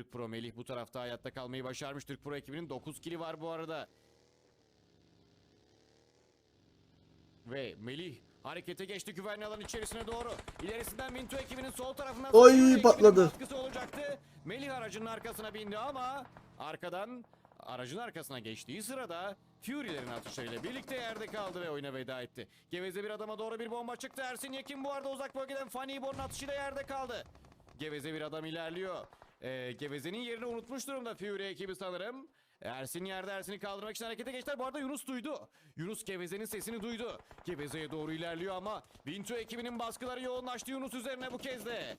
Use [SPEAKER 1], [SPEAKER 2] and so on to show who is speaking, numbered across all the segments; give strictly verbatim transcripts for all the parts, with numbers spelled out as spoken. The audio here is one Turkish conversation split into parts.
[SPEAKER 1] Türk Pro Melih bu tarafta hayatta kalmayı başarmış. Türk Pro ekibinin dokuz kili var bu arada. Ve Melih harekete geçti güvenli alan içerisine doğru. İlerisinden Minto ekibinin sol tarafından
[SPEAKER 2] Oy, patladı.
[SPEAKER 1] baskısı olacaktı. Melih aracının arkasına bindi ama arkadan aracın arkasına geçtiği sırada Fury'lerin atışlarıyla birlikte yerde kaldı ve oyuna veda etti. Geveze bir adama doğru bir bomba çıktı. Ersin Yekin bu arada uzak bölgeden Funny Bor'un atışıyla yerde kaldı. Geveze bir adam ilerliyor. Ee, Geveze'nin yerini unutmuş durumda Fury ekibi sanırım. Ersin yerde, Ersin'i kaldırmak için harekete geçtiler. Bu arada Yunus duydu. Yunus Geveze'nin sesini duydu. Geveze'ye doğru ilerliyor ama Vinto ekibinin baskıları yoğunlaştı Yunus üzerine bu kez de.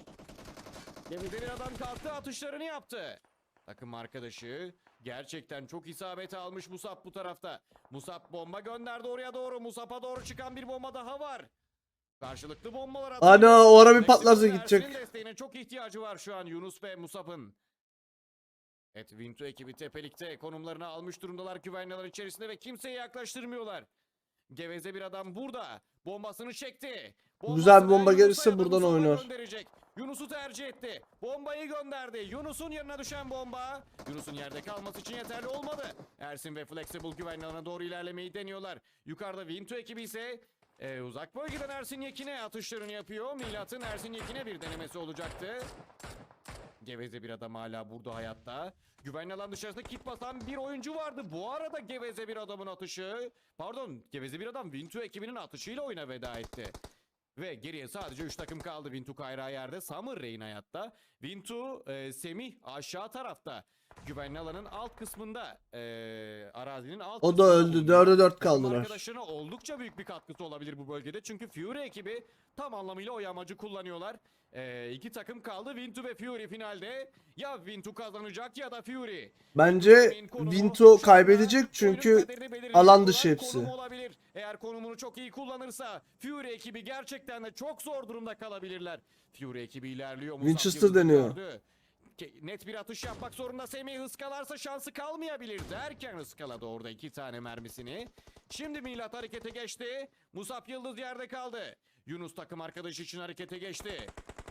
[SPEAKER 1] Geveze bir adam kalktı, atışlarını yaptı. Takım arkadaşı gerçekten çok isabet almış Musab bu tarafta. Musab bomba gönderdi oraya doğru. Musab'a doğru çıkan bir bomba daha var. Karşılıklı bombalar atıyor.
[SPEAKER 2] Ana o ara bir
[SPEAKER 1] Meksika
[SPEAKER 2] patlarsa
[SPEAKER 1] Ersin'in
[SPEAKER 2] gidecek.
[SPEAKER 1] desteğine çok ihtiyacı var şu an Yunus ve Musab'ın. Evet, Vinto ekibi tepelikte konumlarını almış durumdalar güvenli alan içerisinde ve kimseyi yaklaştırmıyorlar. Geveze bir adam burada. Bombasını çekti.
[SPEAKER 2] Güzel bir bomba
[SPEAKER 1] Yunus'a
[SPEAKER 2] gelirse
[SPEAKER 1] ya da
[SPEAKER 2] buradan
[SPEAKER 1] Musab'a
[SPEAKER 2] oynar.
[SPEAKER 1] gönderecek. Yunus'u tercih etti. Bombayı gönderdi. Yunus'un yanına düşen bomba. Yunus'un yerde kalması için yeterli olmadı. Ersin ve Flexible güvenli alana doğru ilerlemeyi deniyorlar. Yukarıda Vinto ekibi ise e, uzak bölgeden Ersin Yekin'e atışlarını yapıyor. Milat'ın Ersin Yekin'e bir denemesi olacaktı. Geveze bir adam hala burada hayatta. Güvenli alan dışarısında kit basan bir oyuncu vardı. Bu arada Geveze bir adamın atışı. Pardon, Geveze bir adam Vinto ekibinin atışıyla oyuna veda etti. Ve geriye sadece üç takım kaldı. Vinto Kayra yerde. Summer Rain hayatta. Vinto, e, Semih aşağı tarafta. Güvenli alanın alt kısmında. E, arazinin alt
[SPEAKER 2] O da
[SPEAKER 1] kısmında
[SPEAKER 2] öldü.
[SPEAKER 1] bulunuyor.
[SPEAKER 2] Dörde dört
[SPEAKER 1] Takım
[SPEAKER 2] kaldılar.
[SPEAKER 1] arkadaşlarına oldukça büyük bir katkısı olabilir bu bölgede. Çünkü Fury ekibi tam anlamıyla o yamacı kullanıyorlar. Ee, iki takım kaldı. Vinto ve Fury finalde. Ya Vinto kazanacak ya da Fury.
[SPEAKER 2] Bence Vinto kaybedecek çünkü alan dışı hepsi.
[SPEAKER 1] Olabilir. Eğer konumunu çok iyi kullanırsa Fury ekibi gerçekten de çok zor durumda kalabilirler. Fury ekibi ilerliyor. Musab
[SPEAKER 2] Winchester
[SPEAKER 1] Yıldız'ı
[SPEAKER 2] deniyor.
[SPEAKER 1] gördü. Net bir atış yapmak zorunda. Semih ıskalarsa şansı kalmayabilir derken ıskaladı orada iki tane mermisini. Şimdi Milat harekete geçti. Musab Yıldız yerde kaldı. Yunus takım arkadaşı için harekete geçti.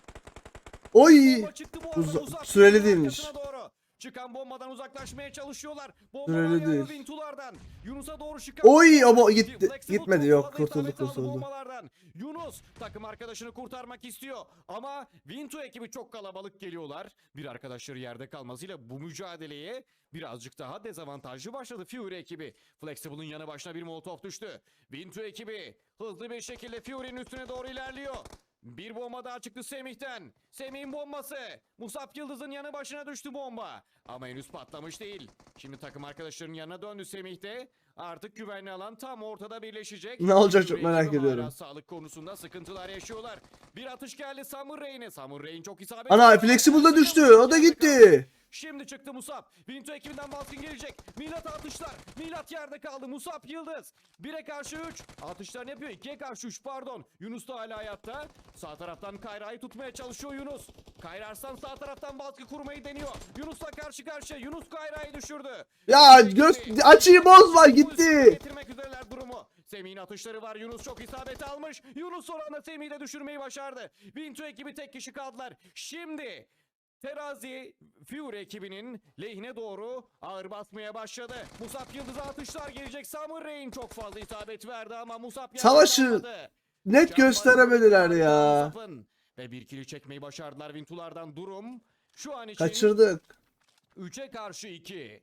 [SPEAKER 2] Oy!
[SPEAKER 1] Bomba çıktı bu arada.
[SPEAKER 2] Uza-
[SPEAKER 1] Musab
[SPEAKER 2] süreli
[SPEAKER 1] Yıldız'ın
[SPEAKER 2] değilmiş.
[SPEAKER 1] arkasına doğru. Çıkan bombadan uzaklaşmaya çalışıyorlar. Bomba
[SPEAKER 2] Süreli
[SPEAKER 1] yağıyor
[SPEAKER 2] değil.
[SPEAKER 1] Vintulardan. Yunus'a doğru çıkan.
[SPEAKER 2] Oy ama gitti.
[SPEAKER 1] Flexible
[SPEAKER 2] Gitmedi
[SPEAKER 1] çok
[SPEAKER 2] yok.
[SPEAKER 1] fazla
[SPEAKER 2] Kurtuldu
[SPEAKER 1] isabet aldı
[SPEAKER 2] kurtuldu.
[SPEAKER 1] bombalardan. Yunus takım arkadaşını kurtarmak istiyor. Ama Vinto ekibi çok kalabalık geliyorlar. Bir arkadaşları yerde kalmasıyla bu mücadeleye birazcık daha dezavantajlı başladı Fury ekibi. Flexible'ın yanı başına bir molotof düştü. Vinto ekibi hızlı bir şekilde Fury'nin üstüne doğru ilerliyor. Bir bomba daha çıktı Semih'ten. Semih'in bombası. Musab Yıldız'ın yanı başına düştü bomba. Ama henüz patlamış değil. Şimdi takım arkadaşlarının yanına döndü Semih'te. Artık güvenli alan tam ortada birleşecek.
[SPEAKER 2] Ne olacak çok
[SPEAKER 1] Fury
[SPEAKER 2] merak
[SPEAKER 1] ekibi
[SPEAKER 2] ediyorum.
[SPEAKER 1] hala sağlık konusunda sıkıntılar yaşıyorlar. Bir atış geldi Summer Rain'e. Summer Rain çok isabet.
[SPEAKER 2] Ana Flexible da düştü. O da gitti.
[SPEAKER 1] Şimdi çıktı Musab. Vinto ekibinden baskın gelecek. Milat atışlar. Milat yerde kaldı. Musab Yıldız. bire karşı üç. Atışlarını yapıyor. ikiye karşı üç pardon. Yunus da hala hayatta. Sağ taraftan Kayra'yı tutmaya çalışıyor Yunus. Kayra Arslan sağ taraftan baskı kurmayı deniyor. Yunus'la karşı karşıya. Yunus Kayra'yı düşürdü.
[SPEAKER 2] Ya göz açıyı bozma gitti.
[SPEAKER 1] Getirmek üzereler durumu. Semih'in atışları var. Yunus çok isabet almış. Yunus son anda Semih'i de düşürmeyi başardı. Vinto ekibi tek kişi kaldılar. Şimdi terazi Fury ekibinin lehine doğru ağır basmaya başladı. Musab Yıldız'a atışlar gelecek. Summer Rain çok fazla isabet verdi ama Musab
[SPEAKER 2] Savaşı net gösteremediler ya.
[SPEAKER 1] Ve bir kili çekmeyi başardılar Vintulardan. Durum şu an için
[SPEAKER 2] Kaçırdık.
[SPEAKER 1] üçe karşı iki.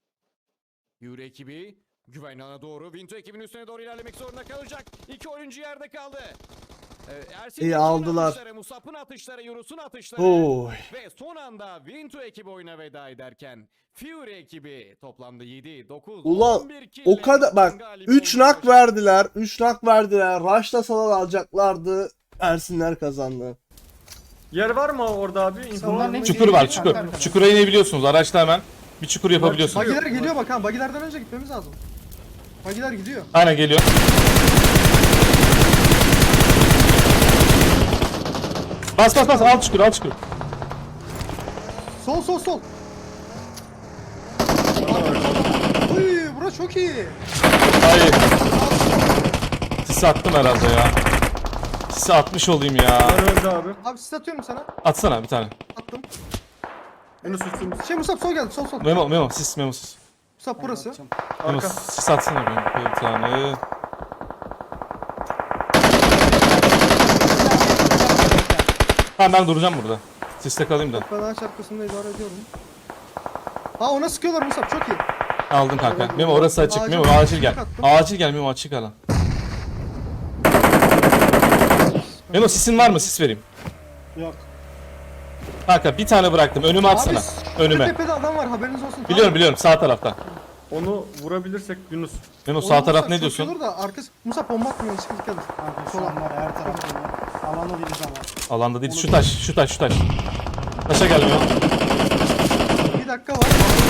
[SPEAKER 1] Fury ekibi güvenli alana doğru Vinto ekibinin üstüne doğru ilerlemek zorunda kalacak. İki oyuncu yerde kaldı. Ee, Ersin
[SPEAKER 2] İyi
[SPEAKER 1] Yekin'in
[SPEAKER 2] aldılar.
[SPEAKER 1] atışları, Musab'ın atışları, Yunus'un atışları.
[SPEAKER 2] Oy.
[SPEAKER 1] Ve son anda Vinto ekibi oyuna veda ederken Fury ekibi toplamda yedi, dokuz,
[SPEAKER 2] Ulan
[SPEAKER 1] on bir kill
[SPEAKER 2] o kadar bak
[SPEAKER 1] galip
[SPEAKER 2] üç
[SPEAKER 1] olmayı
[SPEAKER 2] nak
[SPEAKER 1] başardı.
[SPEAKER 2] verdiler. üç nak verdiler. Rush'lasalar alacaklardı. Ersinler kazandı.
[SPEAKER 3] Yer var mı orada abi? İnfo var mı?
[SPEAKER 4] Çukur var çukur. Çukura inebiliyorsunuz. Araçla hemen bir çukur yapabiliyorsunuz.
[SPEAKER 3] Bagiler
[SPEAKER 5] Bagiler geliyor bak ha. Bagilerden önce gitmemiz lazım. Bagiler gidiyor.
[SPEAKER 4] Aynen geliyor. Bas bas bas al çukur al çukur.
[SPEAKER 5] Sol sol sol. Uy, bura çok iyi.
[SPEAKER 4] Hayır. Sisi attım herhalde ya. Sisi atmış olayım ya.
[SPEAKER 3] Var öldü abi.
[SPEAKER 5] Abi sis atıyorum sana.
[SPEAKER 4] Atsana bir tane.
[SPEAKER 5] Attım.
[SPEAKER 3] Yunus üstümüz.
[SPEAKER 5] Şey Musab sol geldi sol sol.
[SPEAKER 4] Memo Memo sis Memo sis.
[SPEAKER 5] Musab burası.
[SPEAKER 6] Atacağım.
[SPEAKER 4] Memo
[SPEAKER 3] Arka.
[SPEAKER 4] sis atsana benim bir tane. Tamam ben duracağım burada. Siste kalayım da.
[SPEAKER 5] Ben ağaç arkasında idare ediyorum. Aa ona sıkıyorlar Musab çok iyi.
[SPEAKER 4] Aldım kanka. Memo orası açık.
[SPEAKER 5] Acil-
[SPEAKER 4] Memo acil gel.
[SPEAKER 5] attım.
[SPEAKER 4] Acil gel Memo açık alan. Memo sisin var mı? Sis vereyim.
[SPEAKER 6] Yok.
[SPEAKER 4] Kanka bir tane bıraktım. Önüme atsana.
[SPEAKER 5] Abi şu
[SPEAKER 4] Önüme.
[SPEAKER 5] tepede adam var haberiniz olsun.
[SPEAKER 4] Biliyorum biliyorum sağ tarafta.
[SPEAKER 3] Onu vurabilirsek Yunus.
[SPEAKER 4] Memo
[SPEAKER 5] Onu
[SPEAKER 4] sağ taraf
[SPEAKER 5] vursak
[SPEAKER 4] ne
[SPEAKER 5] çok
[SPEAKER 4] diyorsun?
[SPEAKER 5] iyi olur da arkası Musab bomba atmıyor hiç dikkat et.
[SPEAKER 6] Kanka şu
[SPEAKER 5] Sola.
[SPEAKER 6] an var ya, her tarafta var. Alanda değiliz ama.
[SPEAKER 4] Alanda değil. Şu taş, şu taş, şu taş. Taşa gel Memo.
[SPEAKER 5] Bir dakika var.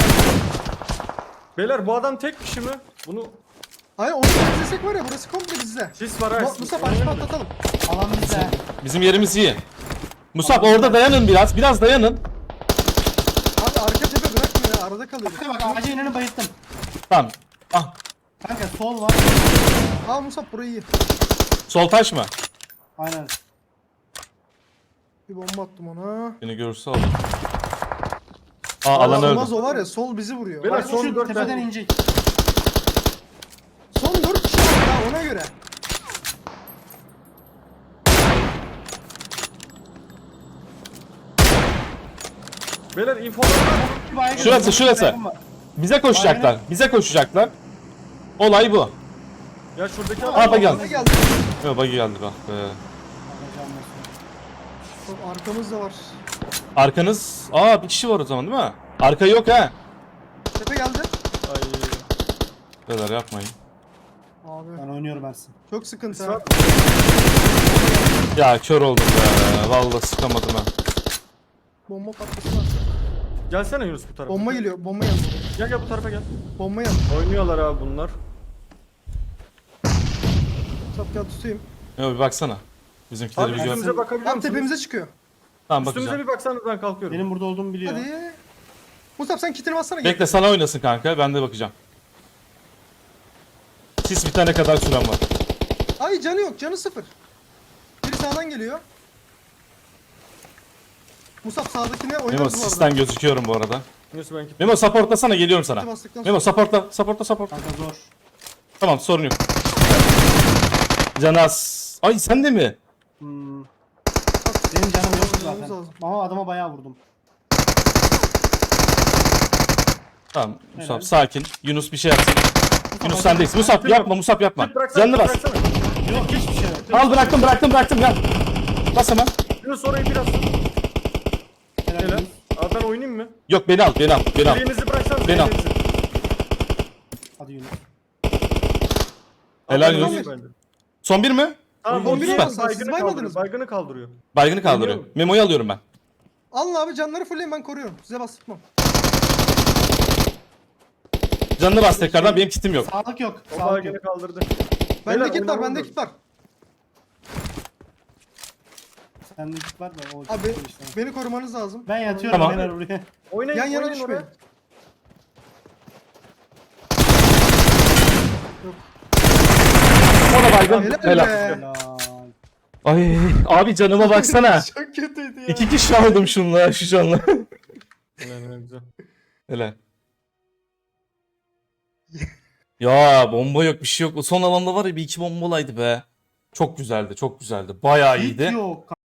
[SPEAKER 3] Beyler bu adam tek kişi mi? Bunu
[SPEAKER 5] Hayır onu temizlesek var ya burası komple bizde.
[SPEAKER 3] sis var ha.
[SPEAKER 5] Mu- Musab açıp atlatalım.
[SPEAKER 6] Alan bize.
[SPEAKER 4] Bizim yerimiz iyi. Musab orada dayanın biraz. Biraz dayanın.
[SPEAKER 5] Abi arka tepe bırakmıyor ya arada kalıyor.
[SPEAKER 6] Bak ağacın önünü bayılttım.
[SPEAKER 4] Tamam. Ah.
[SPEAKER 6] Kanka sol var.
[SPEAKER 5] Aa Musab burayı iyi.
[SPEAKER 4] Sol taş mı?
[SPEAKER 6] Aynen.
[SPEAKER 5] Bir bomba attım ona.
[SPEAKER 4] Beni görürse alır. Aa alan
[SPEAKER 5] Olmaz
[SPEAKER 4] öldü.
[SPEAKER 5] o var ya sol bizi vuruyor.
[SPEAKER 3] Beyler,
[SPEAKER 5] Bak,
[SPEAKER 3] son
[SPEAKER 6] Şu
[SPEAKER 3] dört
[SPEAKER 6] tepeden
[SPEAKER 3] tane.
[SPEAKER 6] inecek.
[SPEAKER 5] son dört kişi var ya ona göre.
[SPEAKER 3] Beyler infolar var.
[SPEAKER 6] Bir baygın
[SPEAKER 4] Şurası,
[SPEAKER 6] var.
[SPEAKER 4] şurası.
[SPEAKER 6] Baygın var.
[SPEAKER 4] Bize koşacaklar. Bize koşacaklar. Olay bu.
[SPEAKER 3] Ya şuradaki
[SPEAKER 4] Aa,
[SPEAKER 3] adam.
[SPEAKER 4] bak geldi.
[SPEAKER 5] Ne geldi?
[SPEAKER 4] Yok bagi geldi bak be.
[SPEAKER 6] Bakacağım nasıl.
[SPEAKER 5] Çok arkamızda var.
[SPEAKER 4] Arkanız... Aa bir kişi var o zaman değil mi? Arka yok ha.
[SPEAKER 5] Tepe geldi.
[SPEAKER 3] Ay.
[SPEAKER 4] Beyler yapmayın.
[SPEAKER 5] Abi
[SPEAKER 6] Ben oynuyorum Ersin.
[SPEAKER 5] çok sıkıntı
[SPEAKER 3] Sis
[SPEAKER 5] ha.
[SPEAKER 3] var.
[SPEAKER 4] Ya kör oldum be. Vallahi sıkamadım ha.
[SPEAKER 5] Bomba patlasın var.
[SPEAKER 3] Gelsene Yunus bu tarafa.
[SPEAKER 5] Bomba geliyor. Bomba geldi.
[SPEAKER 3] Gel gel bu tarafa gel.
[SPEAKER 5] Bomba geldi.
[SPEAKER 3] Oynuyorlar abi bunlar.
[SPEAKER 5] Musab gel tutayım.
[SPEAKER 4] Yok bir baksana. Bizimkileri
[SPEAKER 3] Abi
[SPEAKER 4] bir gör.
[SPEAKER 3] üstümüze bakabiliyor
[SPEAKER 5] Tam
[SPEAKER 3] musunuz?
[SPEAKER 5] tepemize çıkıyor.
[SPEAKER 4] Tamam
[SPEAKER 3] Üstümüze
[SPEAKER 4] bakacağım.
[SPEAKER 3] bir baksanız ben kalkıyorum.
[SPEAKER 6] Benim burada olduğumu biliyor.
[SPEAKER 5] Hadi. Musab sen kitini bassana gel.
[SPEAKER 4] Bekle sana oynasın kanka. Ben de bakacağım. Sis bitene kadar süren var.
[SPEAKER 5] Ay canı yok. Canı sıfır. Biri sağdan geliyor. Musab sağdakine
[SPEAKER 4] Memo
[SPEAKER 5] oynarız bu arada.
[SPEAKER 4] sisten gözüküyorum bu arada.
[SPEAKER 3] Yunus ben git.
[SPEAKER 4] Memo supportlasana geliyorum sana.
[SPEAKER 5] Kiti bastıktan
[SPEAKER 4] Memo
[SPEAKER 5] sonra-
[SPEAKER 4] supportla. Supportla support.
[SPEAKER 6] Kanka zor.
[SPEAKER 4] Tamam sorun yok. Canas. Ay sen de mi?
[SPEAKER 6] Hmm. Benim canım yok
[SPEAKER 5] Oynamamız
[SPEAKER 6] zaten.
[SPEAKER 5] lazım.
[SPEAKER 6] Ama adama bayağı vurdum.
[SPEAKER 4] Tamam Musab
[SPEAKER 6] Helal.
[SPEAKER 4] sakin. Yunus bir şey yapsın. Yunus sendeyiz. Musab yapma Musab yapma.
[SPEAKER 3] Git bıraksana.
[SPEAKER 4] Canını bas.
[SPEAKER 3] bıraksana.
[SPEAKER 6] Yok hiçbir şey yok.
[SPEAKER 4] Al bıraktım bıraktım bıraktım gel. Bas hemen.
[SPEAKER 3] Yunus orayı biraz.
[SPEAKER 6] Helal.
[SPEAKER 3] Helal.
[SPEAKER 6] Yunus.
[SPEAKER 3] Abi ben oynayayım mı?
[SPEAKER 4] Yok beni al beni al beni al.
[SPEAKER 3] Elinizi bıraksanız.
[SPEAKER 4] Beni al.
[SPEAKER 6] Hadi Yunus.
[SPEAKER 4] Helal
[SPEAKER 3] Yunus.
[SPEAKER 5] Yunus.
[SPEAKER 3] Son
[SPEAKER 4] Son bir mi?
[SPEAKER 3] Tamam,
[SPEAKER 5] On bir
[SPEAKER 3] süper.
[SPEAKER 5] olmasa siz
[SPEAKER 3] Baygını
[SPEAKER 5] baymadınız
[SPEAKER 3] kaldırıyor.
[SPEAKER 5] mı?
[SPEAKER 3] Baygını kaldırıyor.
[SPEAKER 4] Baygını kaldırıyor.
[SPEAKER 3] Oynuyor mu?
[SPEAKER 4] Memo'yu alıyorum ben.
[SPEAKER 5] Alın abi canları fullleyin ben koruyorum. Size bastırmam.
[SPEAKER 4] Canını bas tekrardan benim kitim yok.
[SPEAKER 6] Sağlık yok.
[SPEAKER 3] O
[SPEAKER 6] Sağlık
[SPEAKER 3] baygını
[SPEAKER 6] yok.
[SPEAKER 3] kaldırdı.
[SPEAKER 5] Bende
[SPEAKER 3] Beyler,
[SPEAKER 5] kit var
[SPEAKER 3] oynamamız
[SPEAKER 5] bende
[SPEAKER 3] lazım.
[SPEAKER 5] kit var.
[SPEAKER 6] Sende git var da o
[SPEAKER 5] Abi
[SPEAKER 6] işte.
[SPEAKER 5] beni korumanız lazım.
[SPEAKER 6] Ben yatıyorum
[SPEAKER 4] Tamam.
[SPEAKER 6] beyler buraya.
[SPEAKER 3] Oynayın,
[SPEAKER 5] Yan yana
[SPEAKER 3] oynayın
[SPEAKER 5] düşmeyin.
[SPEAKER 3] oraya.
[SPEAKER 4] O da baygın.
[SPEAKER 5] Helal
[SPEAKER 4] Helal.
[SPEAKER 5] be.
[SPEAKER 6] Helal.
[SPEAKER 4] Ay abi canıma baksana.
[SPEAKER 5] Çok kötüydü ya.
[SPEAKER 4] İki kişi aldım şunla şu canla.
[SPEAKER 3] Helal, helal, güzel.
[SPEAKER 4] Helal. Ya bomba yok bir şey yok. O son alanda var ya bir iki bomba olaydı be. Çok güzeldi çok güzeldi. Bayağı
[SPEAKER 6] Hiç
[SPEAKER 4] iyiydi.
[SPEAKER 6] yok.